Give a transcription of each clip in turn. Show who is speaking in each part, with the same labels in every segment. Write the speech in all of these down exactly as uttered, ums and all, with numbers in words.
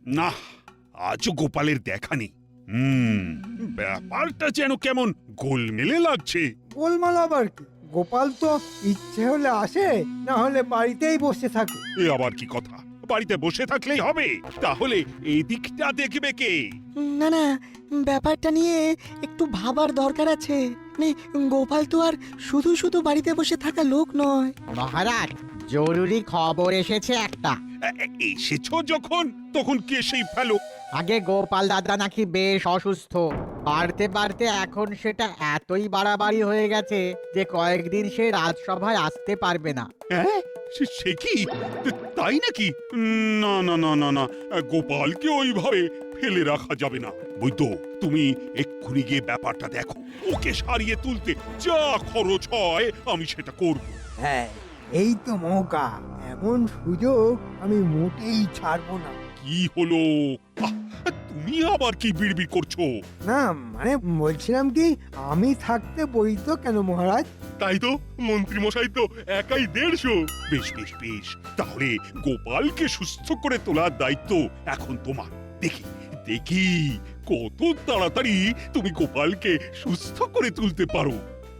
Speaker 1: না, আজও গোপালের দেখা নেই। হুম, ব্যাপারটা যেন কেমন গোলমেলে লাগছে।
Speaker 2: গোলমাল আবার কি? গোপাল তো ইচ্ছে হলে আসে, না হলে বাড়িতেই বসে থাকে।
Speaker 1: এ আবার কি কথা? বাড়িতে বসে থাকলেই হবে? তাহলে এদিকটা দেখবে কে?
Speaker 3: না না, ব্যাপারটা নিয়ে একটু ভাবার দরকার আছে। মানে গোপাল তো আর শুধু শুধু বাড়িতে বসে থাকা লোক নয়।
Speaker 4: মহারাজ, জরুরি খবর এসেছে একটা।
Speaker 1: এ- এ- এসেছো যখন, তখন কে সেই ফেলো?
Speaker 4: আগে গোপাল দাদা নাকি বেশ অসুস্থ, বাড়তে বাড়তে এখন সেটা এতই বাড়াবাড়ি হয়ে গেছে যে কয়েকদিন সে রাজসভায় আসতে পারবে না।
Speaker 1: হ্যাঁ, সে- সে কি? তাই নাকি? উম, না না না না না, গোপালকে ওইভাবে ফেলে রাখা যাবে না। বৈদ্য, তুমি এক্ষুনি গিয়ে ব্যাপারটা দেখো। ওকে সারিয়ে তুলতে যা খরচ হয় আমি সেটা করব।
Speaker 2: হ্যাঁ, এই তো মৌকা, এমন সুযোগ আমি মোটেই ছাড়বো না।
Speaker 1: কি হলো? আহ, তুমি আবার কি বিড়বিড় করছো?
Speaker 2: না মানে বলছিলাম কি, আমি থাকতে বই তো কেন মহারাজ?
Speaker 1: তাই তো, মন্ত্রী মশাই তো একাই দেড়শো। বেশ বেশ বেশ, তাহলে গোপালকে সুস্থ করে তোলার দায়িত্ব এখন তোমার। দেখি দেখি কত তাড়াতাড়ি তুমি গোপালকে সুস্থ করে তুলতে পারো।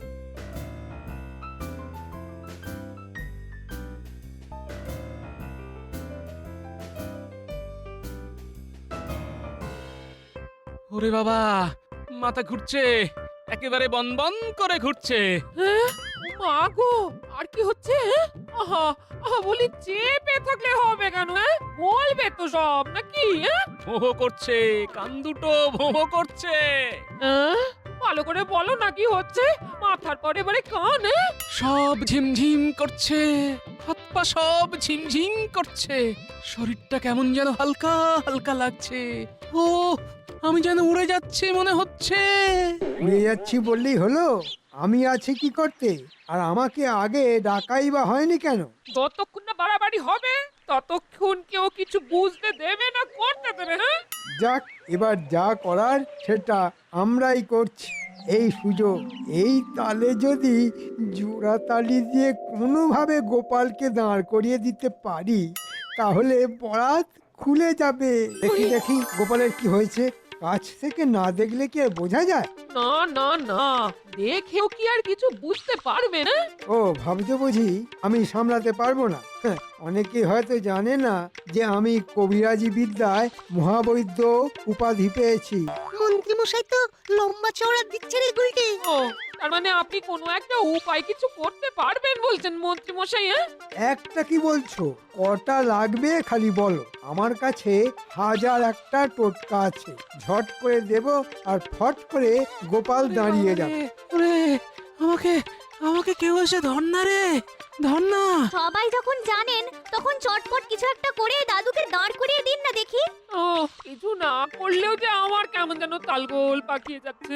Speaker 5: ওরে বাবা, মাথা ঘুরছে, একেবারে বনবন করে ঘুরছে।
Speaker 6: হ্যাঁ? মা গো, আর কি হচ্ছে? হ্যাঁ? আহা আহা, বলি চেপে থাকলে হবে কেন? হ্যাঁ, বলবে তো সব নাকি? হ্যাঁ?
Speaker 5: ভোঁ করছে, কান দুটো ভোঁ করছে।
Speaker 6: হ্যাঁ? ভালো করে বলো না কি হচ্ছে? মাথার পরে এবারে কান? হ্যাঁ?
Speaker 5: সব ঝিমঝিম করছে, হাত পা সব ঝিমঝিম করছে, শরীরটা কেমন যেন হালকা হালকা লাগছে। ও, আমি যেন উড়ে যাচ্ছি মনে হচ্ছে।
Speaker 2: উড়ে যাচ্ছি বললেই হলো? আমি আছি কি করতে? আর আমাকে আগে ডাকাই বা হয়নি কেন?
Speaker 6: যতক্ষণ না বাড়াবাড়ি হবে ততক্ষণ কেউ কিছু বুঝতে দেবে না, করতে দেবে। হ্যাঁ?
Speaker 2: যাক, এবার যা করার সেটা আমরাই করছি। এই সুযোগ, এই তালে যদি জোড়া তালি দিয়ে কোনোভাবে গোপালকে দাঁড় করিয়ে দিতে পারি, তাহলে বরাত খুলে যাবে। দেখি দেখি গোপালের কি হয়েছে। কাছ থেকে না দেখলে কি আর বোঝা যায়?
Speaker 6: না না না, দেখেও কি আর কিছু বুঝতে পারবে না?
Speaker 2: ও, ভাবছো বুঝি আমি সামলাতে পারবো না? হ্যাঁ, অনেকে হয়তো জানে না যে আমি কবিরাজি বিদ্যায় মহাবৈদ্য উপাধি পেয়েছি।
Speaker 3: মন্ত্রী মশাই তো লম্বা চওড়া দিচ্ছে রে গুলটে।
Speaker 6: ও, তার মানে আপনি কোনো একটা উপায় কিছু করতে পারবেন বলছেন মন্ত্রী মশাই? হ্যাঁ?
Speaker 2: একটা কি বলছো? কটা লাগবে খালি বলো। আমার কাছে হাজার একটা টোটকা আছে, ঝট করে দেব আর ফট করে গোপাল দাঁড়িয়ে যাবে।
Speaker 5: ওরে, আমাকে আমাকে কেউ এসে ধর না রে, ধর না।
Speaker 7: সবাই যখন জানেন তখন চটপট কিছু একটা করে দাদুকে দাঁড় করিয়ে দিন না দেখি।
Speaker 6: ও, কিছু না করলেও যে আমার কেমন যেন তালগোল পাকিয়ে যাচ্ছে।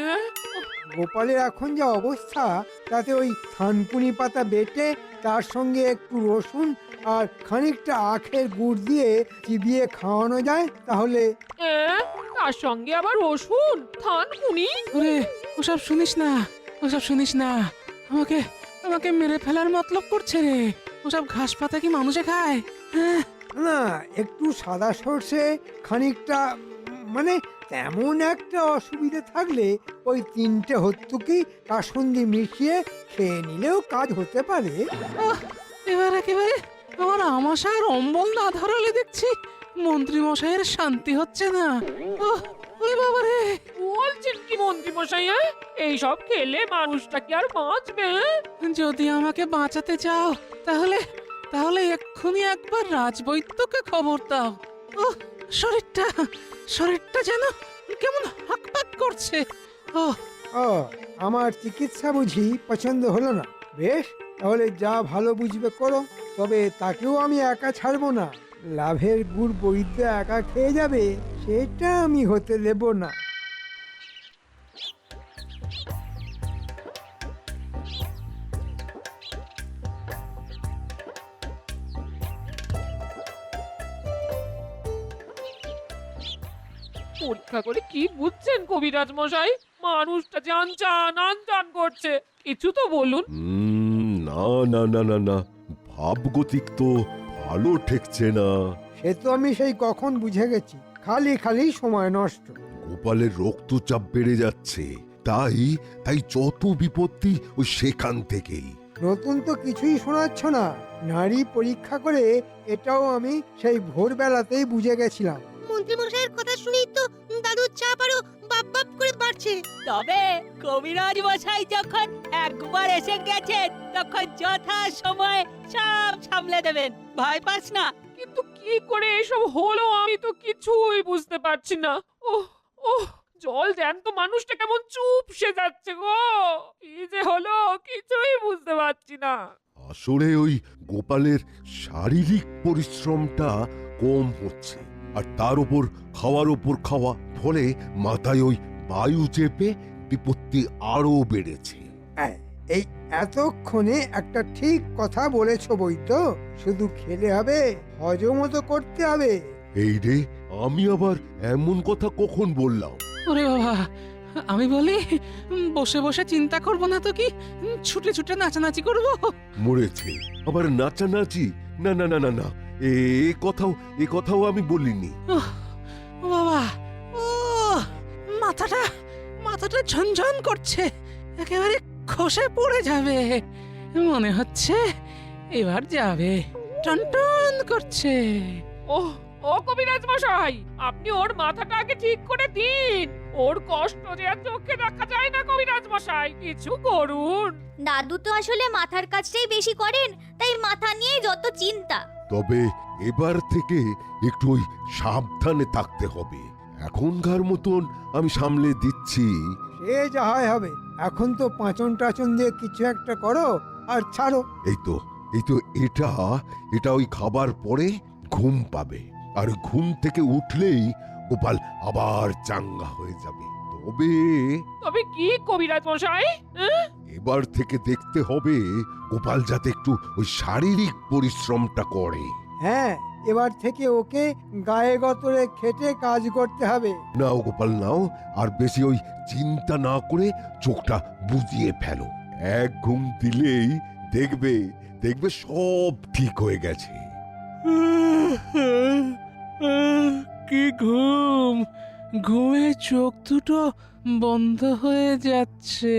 Speaker 2: গোপালের এখন যা অবস্থা, তাতে ওই থানকুনি পাতা বেটে তার সঙ্গে একটু রসুন আর খানিকটা আখের গুড় দিয়ে চিবিয়ে খাওয়ানো যায় তাহলে।
Speaker 6: এ, তার সঙ্গে আবার রসুন থানকুনি?
Speaker 5: ওরে, ওসব শুনিস না, ওসব শুনিস না। আমাকে আমাকে মেরে ফেলার মতলব করছে রে। ওসব ঘাস পাতা কি মানুষে খায়? হ্যাঁ,
Speaker 2: না, একটু সাদা সর্ষে, খানিকটা মানে তেমন একটা অসুবিধে থাকলে ওই তিনটে হত্যুকি কাসুন্দি মিশিয়ে খেয়ে নিলেও কাজ হতে পারে।
Speaker 5: আহ, এবার একেবারে আমার আমাশার অম্বল না ধরালে দেখছি মন্ত্রী মশাইয়ের শান্তি হচ্ছে না। ওহ, ওরে বাবা রে।
Speaker 6: বলছেন কি মন্ত্রী মশাই? হ্যাঁ? এইসব খেলে মানুষটা কি আর বাঁচবে? হ্যাঁ?
Speaker 5: যদি আমাকে বাঁচাতে চাও তাহলে তাহলে এক্ষুনি একবার রাজবৈদ্যকে খবর দাও। ও, শরীরটা শরীরটা যেন কেমন হাঁকপাক করছে। ও,
Speaker 2: ও, আমার চিকিৎসা বুঝি পছন্দ হলো না? বেশ, তাহলে যা ভালো বুঝবে করো, তবে তাকেও আমি একা ছাড়বো না। লাভের গুড় বৈদ্য একা খেয়ে যাবে, সেটা আমি হতে দেব না।
Speaker 6: পরীক্ষা করে কি বুঝছেন কবিরাজ মশাই? মানুষটা যে আনচান আনচান করছে, কিছু তো বলুন।
Speaker 8: উম, না না না না না, ভাবগতিক তো ভালো ঠেকছে না।
Speaker 2: সে তো আমি সেই কখন বুঝে গেছি। খালি খালি সময় নষ্ট।
Speaker 8: গোপালের রক্তচাপ বেড়ে যাচ্ছে, তাই তাই যত বিপত্তি ওই সেখান থেকেই।
Speaker 2: নতুন তো কিছুই শোনাচ্ছ না। নারী পরীক্ষা করে এটাও আমি সেই ভোরবেলাতেই বুঝে গেছিলাম।
Speaker 9: মন্ত্রীমশাইয়ের কথা শুনেই তো দাদুর চাপ আরো বাপ বাপ করে বাড়ছে।
Speaker 10: তবে কবিরাজ মশাই যখন একবার এসে গেছেন তখন যথা সময় সব সামলে দেবেন, ভয় পাস না।
Speaker 6: কিন্তু কি করে এসব হলো আমি তো কিছুই বুঝতে পারছি না। ওহ ওহ জল জ্যান্ত মানুষটা কেমন চুপসে যাচ্ছে গো। কি যে হলো কিছুই বুঝতে পারছি না।
Speaker 8: আসলে ওই গোপালের শারীরিক পরিশ্রমটা কম হচ্ছে, আর তার উপর খাওয়ার উপর খাওয়া, ফলে মাথায় ওই বায়ু চেপে বিপত্তি আরো বেড়েছে।
Speaker 2: এই- এই এতক্ষণে একটা ঠিক কথা বলেছ বৈদ্য। শুধু খেলে হবে, হজমও তো করতে হবে।
Speaker 8: এই রে, আমি আবার এমন কথা কখন বললাম?
Speaker 5: ওরে বাবা, আমি বলি উম, বসে বসে চিন্তা করব না তো কি উম, ছুটে ছুটে নাচানাচি করব।
Speaker 8: মরেছে আবার নাচানাচি? না না না না না, এ এ কথাও এ কথাও আমি বলিনি।
Speaker 5: ওহ, ও বাবা, ও মাথাটা মাথাটা ঝনঝন করছে, একেবারে খসে পড়ে যাবে মনে হচ্ছে। এবার যাবে, টনটন করছে।
Speaker 6: ওহ ও কবিরাজ মশাই, আপনি ওর মাথাটা আগে ঠিক করে দিন। ওর কষ্ট যে আর চোখে দেখা যায় না কবিরাজ মশাই, কিছু করুন।
Speaker 7: দাদু তো আসলে মাথার কাজটাই বেশি করেন, তাই মাথা নিয়ে যত চিন্তা।
Speaker 8: তবে এবার থেকে একটু ওই সাবধানে থাকতে হবে। এখনকার মতন আমি সামলে দিচ্ছি।
Speaker 2: সে যা হয় হবে। এখন তো পাঁচন টাচন দিয়ে কিছু একটা করো আর ছাড়ো।
Speaker 8: এই তো এই তো এটা এটা ওই খাবার পরে ঘুম পাবে, আর ঘুম থেকে উঠলেই গোপাল আবার চাঙ্গা হয়ে যাবে। তবে
Speaker 6: তবে কি কবিরাজ মশাই? হ্যাঁ?
Speaker 8: এবার থেকে দেখতে হবে গোপাল যাতে একটু ওই শারীরিক পরিশ্রমটা করে।
Speaker 2: হ্যাঁ, এবার থেকে ওকে গায়ে গতরে খেটে কাজ করতে হবে।
Speaker 8: নাও গোপাল নাও, আর বেশি ওই চিন্তা না করে চোখটা বুজিয়ে ফেলো। এক ঘুম দিলেই দেখবে দেখবে সব ঠিক হয়ে গেছে।
Speaker 5: কি ঘুম, ঘুমে চোখ দুটো বন্ধ হয়ে যাচ্ছে।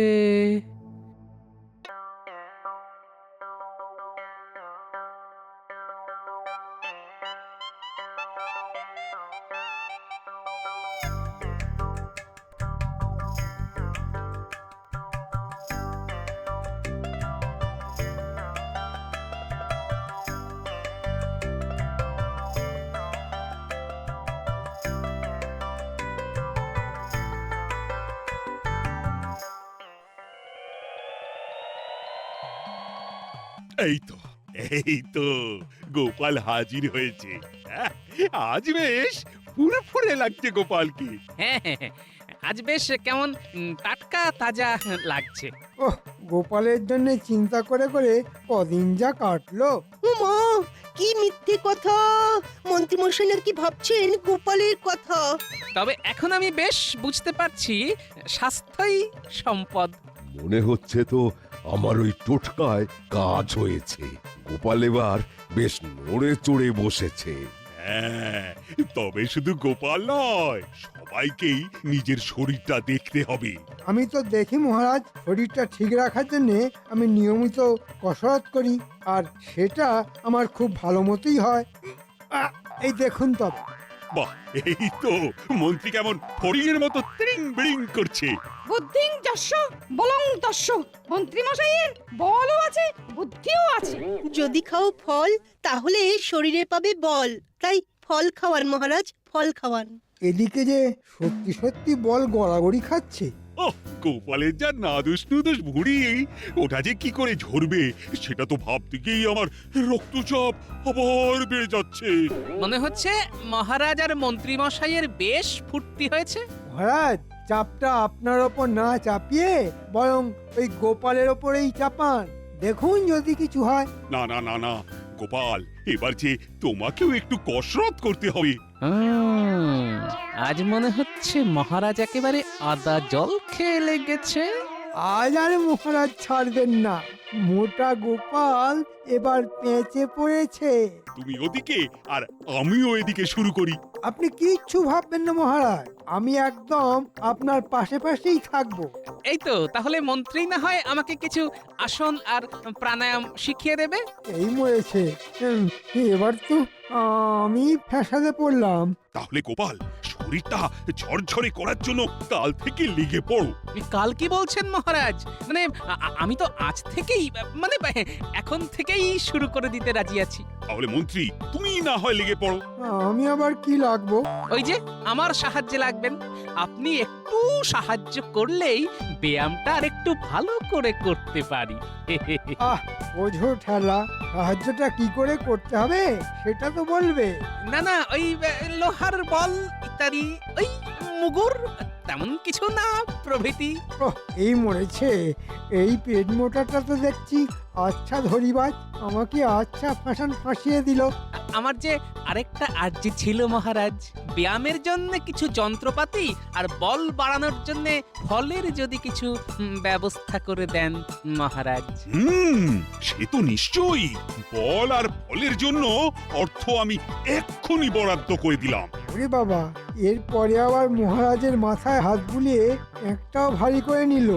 Speaker 1: এই তো এই তো গোপাল হাজির হয়েছে। হ্যাঁ, আজ বেশ ফুরফুরে লাগছে গোপালকে।
Speaker 5: হ্যাঁ হ্যাঁ, হ্যাঁ, আজ বেশ কেমন উম, টাটকা তাজা লাগছে।
Speaker 2: ওহ, গোপালের জন্য চিন্তা করে করে কদিন যা কাটলো।
Speaker 9: ও মা, কি মিথ্যে কথা! মন্ত্রীমশাই নাকি ভাবছেন গোপালের কথা।
Speaker 5: তবে এখন আমি বেশ বুঝতে পারছি স্বাস্থ্যই সম্পদ।
Speaker 8: মনে হচ্ছে তো আমার ওই টোটকায় কাজ হয়েছে। গোপাল এবার বেশ নড়ে চড়ে বসেছে।
Speaker 1: হ্যাঁ, তবে শুধু গোপাল নয়, সবাইকেই নিজের শরীরটা দেখতে হবে।
Speaker 2: আমি তো দেখি মহারাজ, শরীরটা ঠিক রাখার জন্য আমি নিয়মিত কসরত করি, আর সেটা আমার খুব ভালো মতোই হয়। আহ, এই দেখুন তবে।
Speaker 1: বাহ, এই তো মন্ত্রী কেমন ফড়িংয়ের মতো ত্রিং বিড়িং করছে।
Speaker 6: বুদ্ধিং যস্য বলং তস্য। মন্ত্রী মশাইয়ের বলও আছে, বুদ্ধিও আছে।
Speaker 9: যদি খাও ফল, তাহলে শরীরে পাবে বল। তাই ফল খাওয়ান মহারাজ, ফল খাওয়ান।
Speaker 2: এদিকে যে সত্যি সত্যি বল গড়াগড়ি খাচ্ছে।
Speaker 1: ওহ, গোপালের যা নাদুস নুদুস ভুঁড়ি, ওটা যে কি করে ঝরবে সেটা তো ভাবতে গিয়েই আমার রক্তচাপ আবার বেড়ে যাচ্ছে।
Speaker 5: মনে হচ্ছে মহারাজ আর মন্ত্রী মশাইয়ের বেশ ফুর্তি হয়েছে।
Speaker 2: মহারাজ, চাপটা আপনার ওপর না চাপিয়ে বরং ওই গোপালের ওপরেই চাপান। দেখুন যদি কিছু হয়।
Speaker 1: না না না না গোপাল, এবার যে তোমাকেও একটু কসরত করতে হবে।
Speaker 5: হুম, আজ মনে হচ্ছে মহারাজ একেবারে আদা জল খেয়ে লেগেছে।
Speaker 2: আজ আর মহারাজ ছাড়বেন না। মোটা গোপাল এবার পেঁচে পড়েছে।
Speaker 1: তুমি ওদিকে আর আমিও এদিকে শুরু করি।
Speaker 2: আপনি কিচ্ছু ভাববেন না মহারাজ, আমি একদম আপনার পাশে পাশেই থাকবো।
Speaker 5: এই তো তাহলে মন্ত্রী না হয় আমাকে কিছু আসন আর প্রাণায়াম শিখিয়ে দেবে।
Speaker 2: এই মরেছে, উম, এবার তো আমি ফ্যাসাদে পড়লাম।
Speaker 1: তাহলে গোপাল শরীরটা ঝরঝরে করার জন্য কাল থেকে লেগে পড়ো।
Speaker 5: কাল কি বলছেন মহারাজ? মানে আ- আ- আমি তো আজ থেকেই মানে এখন থেকেই শুরু করে দিতে রাজি আছি।
Speaker 1: তাহলে মন্ত্রী তুমি না হয় লেগে পড়ো।
Speaker 2: আমি আবার কি লাগবো?
Speaker 5: ওই যে আমার সাহায্যে লাগবেন। আপনি একটু সাহায্য করলেই ব্যায়ামটা আর একটু ভালো করে করতে পারি।
Speaker 2: আহ বোঝো ঠেলা, সাহায্যটা কি করে করতে হবে সেটা তো বলবে।
Speaker 5: না না ওই আহ, লোহার বল ইত্যাদি, ওই মুগুর তেমন কিছু না প্রভৃতি।
Speaker 2: ওহ, এই মরেছে, এই পেট মোটাটা তো দেখছি আচ্ছা ধরিবাজ, আমাকে আচ্ছা ফাঁসান ফাঁসিয়ে দিল।
Speaker 5: আমার যে আরেকটা আর্জি ছিল মহারাজ, ব্যায়ামের জন্য কিছু যন্ত্রপাতি আর বল বাড়ানোর জন্য ফলের যদি কিছু উম, ব্যবস্থা করে দেন মহারাজ।
Speaker 1: হুম, সে তো নিশ্চয়ই। বল আর ফলের জন্য অর্থ আমি এক্ষুনি বরাদ্দ করে দিলাম।
Speaker 2: ওরে বাবা, এরপরে আবার মহারাজের মাথায় হাত বুলিয়ে একটাও ভারী করে নিল।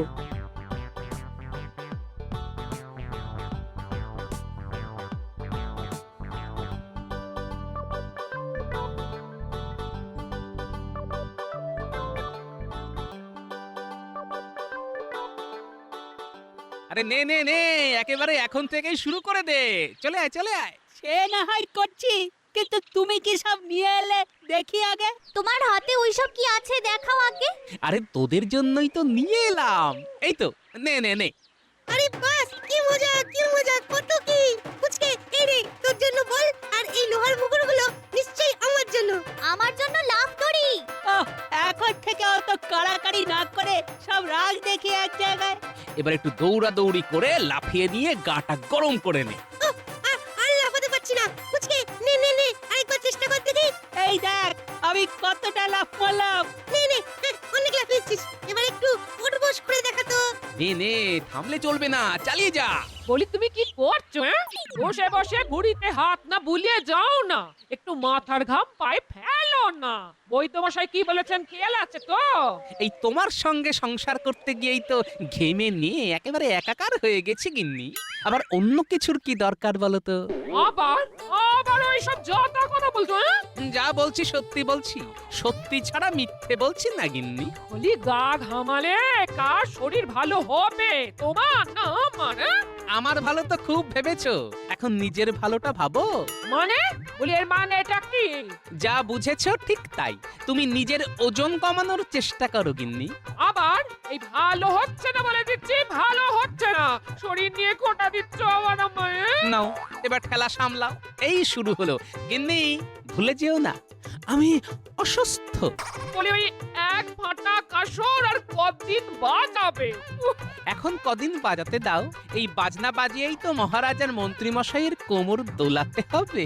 Speaker 5: আরে নে নে নে, একেবারে এখন থেকেই শুরু করে দে। চলে আয় চলে আয়।
Speaker 10: সে না হয় করছি, কিন্তু তুমি কি সব নিয়ে এলে দেখি আগে।
Speaker 7: তোমার হাতে ওইসব কি আছে দেখাও আগে।
Speaker 5: আরে তোদের জন্যই তো নিয়ে এলাম। এই তো নে নে নে।
Speaker 9: আরে বাস, কি মজা কি মজা, কত কি ফুচকে। এই রে তোর জন্য বল, আর এই লোহার মুগুরগুলো নিশ্চয়ই আমার জন্য।
Speaker 7: আমার জন্য লাভ করি।
Speaker 10: ওহ, এখন থেকে অত কাড়াকাড়ি না করে সব রাগ দেখি এক জায়গায়।
Speaker 5: এবার একটু দৌড়া দৌড়ি করে লাফিয়ে দিয়ে গাটা গরম করে নে।
Speaker 9: উফ, আর আর লাফাতে পারছি না। ফুচকে নে নে নে, আরেকবার চেষ্টা কর দেখি।
Speaker 10: এই দেখ আমি কতটা লাফ মারলাম।
Speaker 9: নে নে, হ্যাঁ, অনেক লাফিয়েছিস, এবার একটু উঠবোস করে দেখা তো।
Speaker 5: নে নে, থামলে চলবে না, চালিয়ে যা।
Speaker 6: বলি তুমি কি করছো? হ্যাঁ, বসে বসে ঘুড়িতে হাত না বুলিয়ে যাও না, একটু মাথার ঘাম পায়ে ফেলো না। বৈদ্যমশাই কি বলেছেন খেয়াল আছে তো?
Speaker 5: এই তোমার সঙ্গে সংসার করতে গিয়েই তো ঘেমে নিয়ে একেবারে একাকার হয়ে গেছে গিন্নি। আবার অন্য কিছুর কি দরকার বলো তো?
Speaker 6: আবার আবার ওইসব যথা কথা বলছো? হ্যাঁ,
Speaker 5: যা বলছি সত্যি বলছি, সত্যি ছাড়া মিথ্যে বলছি না গিন্নি।
Speaker 6: বলি গা ঘামালে কার শরীর ভালো হবে, তোমার না আমার? হ্যাঁ?
Speaker 5: আমার ভালো তো খুব ভেবেছো, এখন নিজের ভালোটা ভাবো।
Speaker 6: মানে বলি এর মানে এটা কি?
Speaker 5: যা বুঝেছো ঠিক তাই। তুমি নিজের ওজন কমানোর চেষ্টা করো গিন্নি।
Speaker 6: আবার এই ভালো হচ্ছে না বলে দিচ্ছি, ভালো হচ্ছে না, শরীর নিয়ে খোটা দিচ্ছ আবার আমায়। হ্যাঁ?
Speaker 5: নাও এবার ঠেলা সামলাও। এই শুরু হলো গিন্নি, ভুলে যেও না আমি অসুস্থ।
Speaker 6: বলি ওই এক ফাটা কাসর আর কদিন বাজাবে? উহ,
Speaker 5: এখন কদিন বাজাতে দাও, এই বাজনা বাজিয়েই তো মহারাজার মন্ত্রী মশাইয়ের কোমর দোলাতে হবে।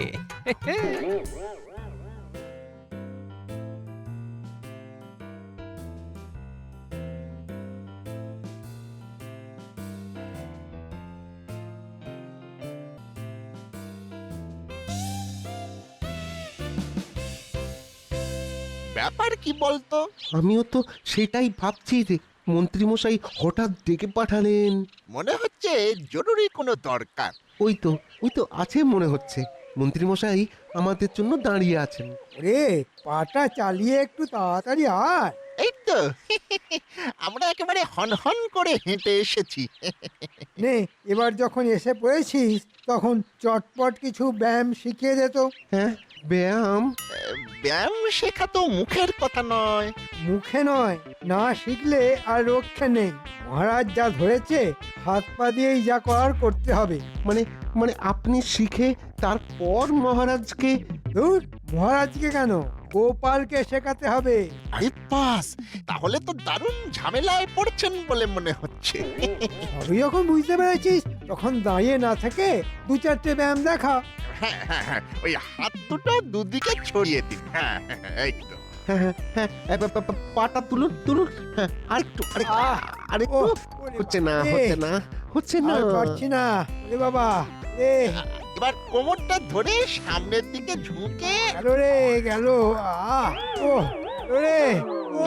Speaker 11: ব্যাপার কি বলতো?
Speaker 12: আমিও তো সেটাই ভাবছি যে মন্ত্রীমশাই হঠাৎ ডেকে পাঠালেন।
Speaker 11: মনে হচ্ছে জরুরি কোনো দরকার।
Speaker 12: ওই তো ওই তো আছে মনে হচ্ছে, মন্ত্রীমশাই আমাদের জন্য দাঁড়িয়ে আছেন।
Speaker 2: রে পাটা চালিয়ে একটু তাড়াতাড়ি আয়।
Speaker 11: এই তো আমরা একেবারে হন হন করে হেঁটে এসেছি।
Speaker 2: নে, এবার যখন এসে পড়েছিস তখন চটপট কিছু ব্যায়াম শিখিয়ে দে তো।
Speaker 12: হ্যাঁ, ব্যায়াম?
Speaker 11: ব্যায়াম শেখা তো মুখের কথা নয়।
Speaker 2: মুখে নয়, না শিখলে আর রক্ষে নেই। মহারাজ যা ধরেছে হাত পা দিয়েই যা করার করতে হবে।
Speaker 12: মানে মানে আপনি শিখে তারপর মহারাজকে?
Speaker 2: ধুর, মহারাজকে কেন, গোপালকে শেখাতে হবে।
Speaker 11: আরে পাস, তাহলে তো দারুণ ঝামেলায় পড়ছেন বলে মনে হচ্ছে।
Speaker 2: সবই যখন বুঝতে পেরেছিস তখন দাঁড়িয়ে না থেকে দু চারটে ব্যায়াম দেখা।
Speaker 11: হ্যাঁ হ্যাঁ হ্যাঁ, ওই হাত দুটো দুদিকে ছড়িয়ে দিন। হ্যাঁ হ্যাঁ, হ্যাঁ, এই তো।
Speaker 12: হ্যাঁ হ্যাঁ হ্যাঁ, এ, পা, পা, পা, পাটা তুলুন তুলুন। হ্যাঁ, আরেকটু আরেকটু
Speaker 2: আহ,
Speaker 12: আরেকটু।
Speaker 2: ওহ, ওরে
Speaker 12: হচ্ছে না
Speaker 2: বাবারে।
Speaker 12: হচ্ছে না হচ্ছে না
Speaker 2: আর পারছি না ওরে বাবা এ
Speaker 11: এবার কোমরটা ধরে সামনের দিকে ঝুঁকে
Speaker 2: গেল রে গেল আহ ও গেলো রে ও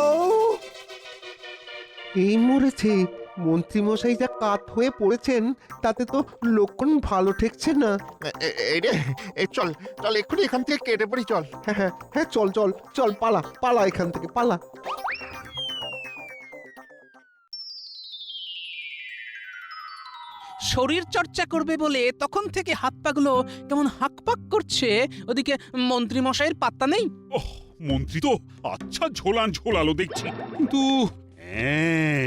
Speaker 12: এই মরেছে মন্ত্রী মশাই যা কাত হয়ে পড়েছেন তাতে তো লক্ষণ ভালো ঠেকছে না।
Speaker 11: এ- এ- এই রে এই চল চল এক্ষুনি এখান থেকে কেটে পড়ি চল।
Speaker 12: হ্যাঁ হ্যাঁ হ্যাঁ চল চল চল পালা পালা এখান থেকে পালা।
Speaker 5: শরীর চর্চা করবে বলে তখন থেকে হাত পাগুলো কেমন হাঁকপাক করছে, ওদিকে মন্ত্রী মশাইয়ের পাত্তা নেই।
Speaker 1: ওহ মন্ত্রী তো আচ্ছা ঝোলান ঝোলালো দেখছি, কিন্তু হ্যাঁ,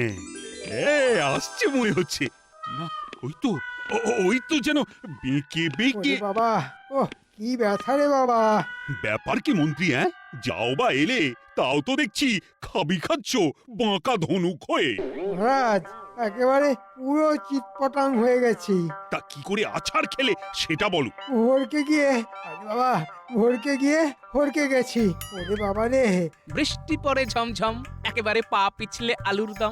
Speaker 1: এ, আসছে মনে হচ্ছে না। ওই তো ও- ও- ওই তো যেন বেঁকে বেঁকে।
Speaker 2: ওরে বাবা ও কি ব্যথা রে বাবা।
Speaker 1: ব্যাপার কি মন্ত্রী, হ্যাঁ যাও বা এলে তাও তো দেখছি খাবি খাচ্ছ বাঁকা ধনুক হয়ে।
Speaker 2: মহারাজ একেবারে পুরো চিৎপটাং হয়ে গেছি।
Speaker 1: তা কি করে আছাড় খেলে সেটা বলো।
Speaker 2: ভোরকে গিয়ে আরে বাবা ভোরকে গিয়ে হরকে গেছি। ওরে বাবা রে
Speaker 5: বৃষ্টি পড়ে ঝমঝম, একেবারে পা পিছলে আলুর দম।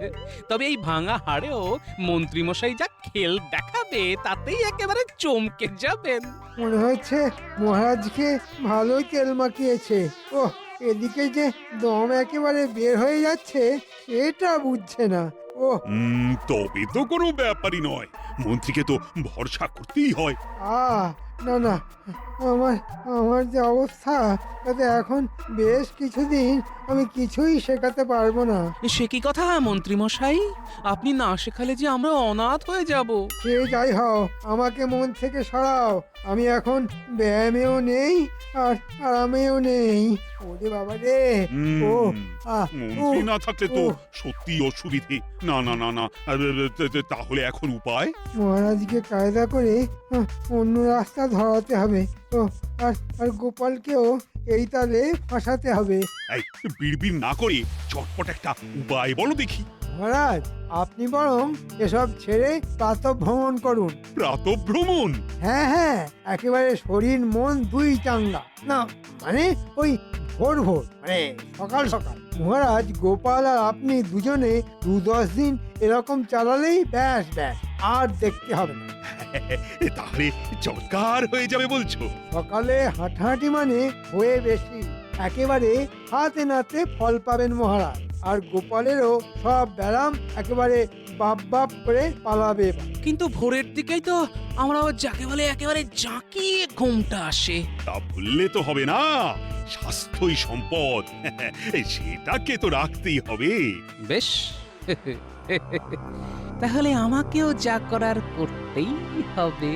Speaker 5: তবে এই ভাঙা হাড়েও মন্ত্রী মশাই যা খেল দেখাবে তাতেই একেবারে চমকে যাবেন।
Speaker 2: মনে হচ্ছে মহারাজকে ভালোই তেল মাখিয়েছে। ও এদিকে যে দম একেবারে বের হয়ে যাচ্ছে সেটা বুঝছে না। ও
Speaker 1: হুম, তবে তো কোনো ব্যাপারই নয়, মন্ত্রীকে তো ভরসা করতেই হয়।
Speaker 2: আহ না না আমার আমার যে অবস্থা তাতে এখন বেশ কিছুদিন আমি কিছুই শেখাতে পারবো না।
Speaker 5: সে কি কথা মন্ত্রী মশাই, আপনি না শেখালে যে আমরা অনাথ হয়ে যাব।
Speaker 2: সে যাই হও আমাকে মন থেকে সরাও। আমি এখন ব্যায়ামেও নেই আর আরামেও নেই। ওরে বাবা রে
Speaker 1: হুম,
Speaker 2: ও আহ
Speaker 1: মন্ত্রী
Speaker 2: উহ,
Speaker 1: না থাকলে তো
Speaker 2: উহ।
Speaker 1: সত্যি অসুবিধে। না না না না আ, তা- তা- তাহলে এখন উপায়?
Speaker 2: মহারাজকে কায়দা করে আহ, অন্য রাস্তা ধরাতে হবে। ও আর আর গোপালকেও এই তালে ফাঁসাতে হবে।
Speaker 1: এই বিড়বিড় না করে চটপট একটা উপায় বলো দেখি।
Speaker 2: মহারাজ আপনি বরং এসব ছেড়ে প্রাতঃ ভ্রমণ করুন।
Speaker 1: প্রাতঃভ্রমণ?
Speaker 2: হ্যাঁ হ্যাঁ একেবারে শরীর মন দুই চাঙ্গা। না মানে ওই ভোর ভোর মানে সকাল সকাল। মহারাজ গোপাল আর আপনি দুজনে দু দশ দিন এরকম চালালেই ব্যাস ব্যাস আর দেখতে হবে না।
Speaker 1: তাহলে চমৎকার হয়ে যাবে বলছো?
Speaker 2: সকালে হাঁটাহাঁটি মানে হয়ে বেশি একেবারে হাতে নাতে ফল পাবেন মহারাজ। আর গোপালেরও সব ব্যারাম একেবারে বাপ বাপ করে পালাবে এবার।
Speaker 5: কিন্তু ভোরের দিকেই তো আমরা যাকে বলে একেবারে জাঁকিয়ে ঘুমটা আসে।
Speaker 1: তা ভুললে তো হবে না, স্বাস্থ্যই সম্পদ। সেটাকে তো রাখতেই হবে।
Speaker 5: বেশ, তাহলে আমাকেও যা করার করতেই হবে।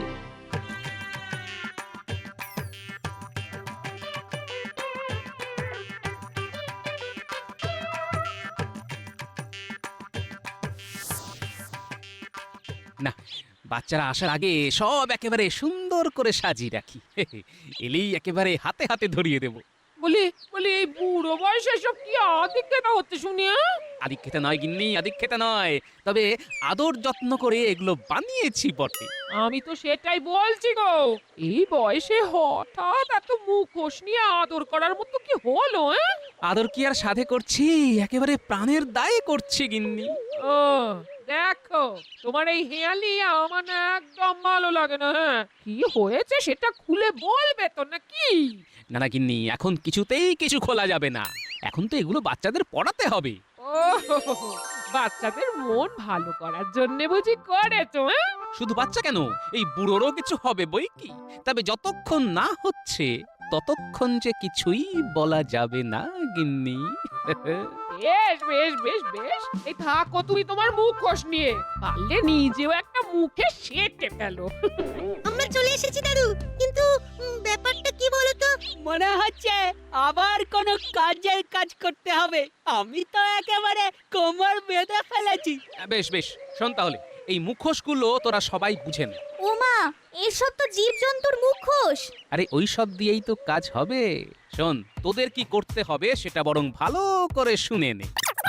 Speaker 5: না, বাচ্চারা আসার আগে সব একেবারে সুন্দর করে সাজিয়ে রাখি। এলেই একেবারে হাতে হাতে ধরিয়ে দেব।
Speaker 6: বলি বলি এই বুড়ো বয়সে সব কি আদিক্ষেতা হচ্ছে শুনি? হ্যাঁ?
Speaker 5: আদিক্ষেতা নয় গিন্নি, আদিক্ষেতা নয়, তবে আদর যত্ন করে এগুলো বানিয়েছি বটে।
Speaker 6: আমি তো সেটাই বলছি গো, এই বয়সে হঠাৎ এত মুখোশ নিয়ে আদর করার মতো কি হলো? হ্যাঁ?
Speaker 5: আদর কি আর সাধে করছি, একেবারে প্রাণের দায়ে করছি গিন্নি।
Speaker 6: ও দেখো তোমার এই হেয়ালি আমার না একদম ভালো লাগে না। হ্যাঁ কি হয়েছে সেটা খুলে বলবে তো নাকি?
Speaker 5: না না গিন্নি, এখন কিছুতেই কিছু খোলা যাবে না, এখন তো এগুলো বাচ্চাদের পড়াতে হবে।
Speaker 6: ও বাচ্চাদের মন ভালো করার জন্য বুঝি করেছো? হ্যাঁ
Speaker 5: শুধু বাচ্চা কেন, এই বুড়োরও কিছু হবে বই কি। তবে যতক্ষণ না হচ্ছে ততক্ষণ যে কিছুই বলা যাবে না গিন্নি।
Speaker 6: বেশ বেশ বেশ বেশ এই থাকো তুমি তোমার মুখোশ নিয়ে, পারলে নিজেও একটা মুখে সেটে ফেলো।
Speaker 9: আমরা চলে এসেছি দাদু, কিন্তু উম, ব্যাপারটা কি বলতো?
Speaker 10: মনে হচ্ছে আবার কোনো কাজের কাজ করতে হবে। আমি তো একেবারে কোমর বেঁধে ফেলেছি।
Speaker 5: বেশ বেশ, শোন তাহলে, এই মুখোশগুলো তোরা সবাই বুঝেন।
Speaker 7: ওমা এসব তো জীবজন্তুর মুখোশ।
Speaker 5: আরে ওই সব দিয়েই তো কাজ হবে। শোন, তোদের কি করতে হবে সেটা বরং ভালো করে শুনে নে।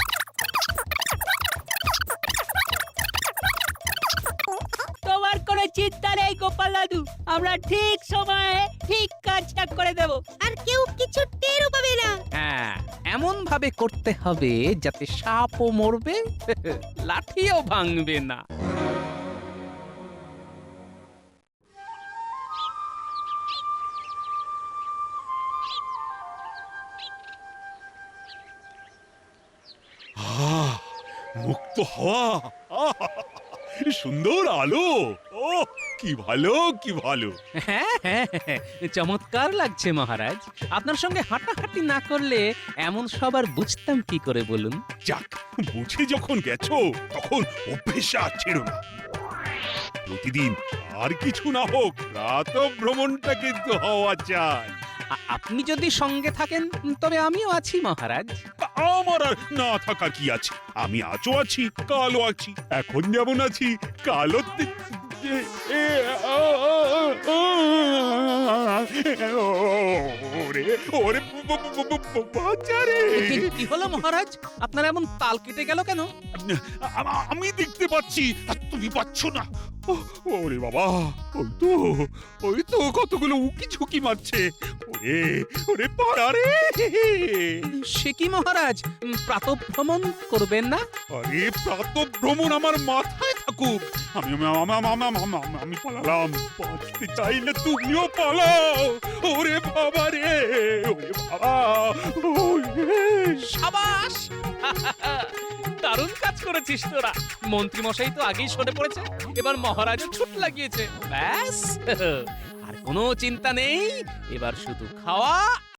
Speaker 10: তোমার কোনো চিন্তা নেই গোপাল দাদু, আমরা ঠিক সময়ে ঠিক কাজটা করে দেব।
Speaker 9: আর কেউ কিছু টেরও পাবে না।
Speaker 5: হ্যাঁ, এমন ভাবে করতে হবে যাতে সাপও মরবে, লাঠিও ভাঙবে না।
Speaker 1: মুক্ত হওয়া, আহা! সুন্দর আলো, ও কি ভালো কি ভালো।
Speaker 5: হ্যাঁ হ্যাঁ হ্যাঁ, চমৎকার লাগছে মহারাজ। আপনার সঙ্গে হাঁটাহাঁটি না করলে এমন সবার বুঝতাম কি করে বলুন?
Speaker 1: যাক, বুঝে যখন গেছো তখন অভ্যেস আর ছেড়ো না। প্রতিদিন আর কিছু না হোক, রাত ভ্রমণটা কিন্তু হওয়া চাই।
Speaker 5: আ- আপনি যদি সঙ্গে থাকেন তবে আমিও আছি মহারাজ।
Speaker 1: আমার আর না থাকার কি আছে? আমি আজও আছি, কালও আছি, এখন যেমন আছি কালও তে- এ- এ- আ- আ- আ- আ- ওরে ওরে ব- ব- ব- ব- ব- বাঁচারে।
Speaker 5: কি- কি হলো মহারাজ? আপনার এমন তাল কেটে গেল কেন?
Speaker 1: আ- আমি দেখতে পাচ্ছি আর তুমি পাচ্ছ না। ও- ওরে বাবা, ওই তো ওই তো কতগুলো উকি ঝুঁকি মারছে। ওরে ওরে পাড়ারে।
Speaker 5: সে কি মহারাজ, প্রাতঃভ্রমণ করবেন না?
Speaker 1: আরে প্রাত ভ্রমণ আমার মাথায় থাকুক। আমি আমি আমি- আমি- আমি- আমি- আমি- আমি পালালাম। বাঁচতে চাইলে তুমিও পালাও। ওরে বাবা রে, ওরে বাবা, ওরে।
Speaker 5: সাবাস! দারুণ কাজ করেছিস তোরা। মন্ত্রী মশাই তো আগেই সরে পড়েছে, এবার মহারাজও ছুট লাগিয়েছে। ব্যাস, আর কোনো চিন্তা নেই, এবার শুধু খাওয়া